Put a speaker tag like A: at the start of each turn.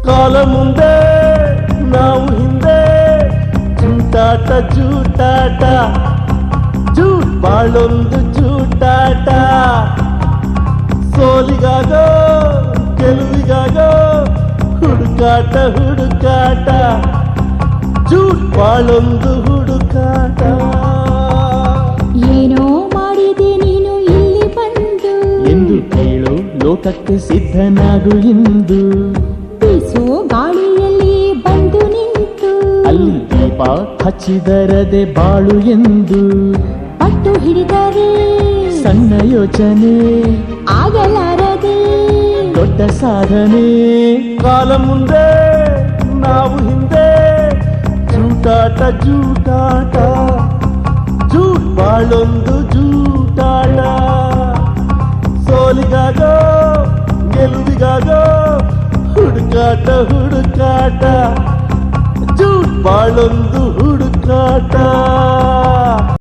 A: ಕಾಲ ಮುಂದೆ ನಾವು ಹಿಂದೆ ಜೂಟಾಟ ಜೂಟಾಟ ಜೂಟ್ ಬಾಳೊಂದು ಜೂಟಾಟ ಸೋಲಿಗಾಗೋ ಗೆಲುವಿಗಾಗೋ ಹುಡುಕಾಟ ಹುಡುಕಾಟ ಜೂಟ್ ಬಾಳೊಂದು ಹುಡುಕಾಟ
B: ಏನೋ ಮಾಡಿದೆ ನೀನು ಇಲ್ಲಿ ಬಂದು
A: ಎಂದು ಕೇಳು ಲೋಕಕ್ಕೆ ಸಿದ್ಧನಾಗು ಎಂದು
B: ಬೀಸೋ ಗಾಳಿಯಲ್ಲಿ ಬಂದು ನಿಂತು
A: ಅಲ್ಲಿ ದೀಪ ಹಚ್ಚಿದರದೆ ಬಾಳು ಎಂದು
B: ಪಟ್ಟು ಹಿಡಿದರೆ
A: ಸಣ್ಣ ಯೋಚನೆ
B: ಆಗಲಾರದೆ
A: ದೊಡ್ಡ ಸಾಧನೆ ಕಾಲ ಮುಂದೆ ನಾವು ಹಿಂದೆ ಜೂಟಾಟ ಜೂಟಾಟ ಜೂಟ್ ಬಾಳೊಂದು ಜೂಟಾಟ ಸೋಲಿಗಾಗೋ ಗೆಲುವಿಗಾಗೋ ಹುಡುಕಾಟ ಹುಡುಕಾಟ ಜೂಟ್ ಬಾಳೊಂದು ಹುಡುಕಾಟ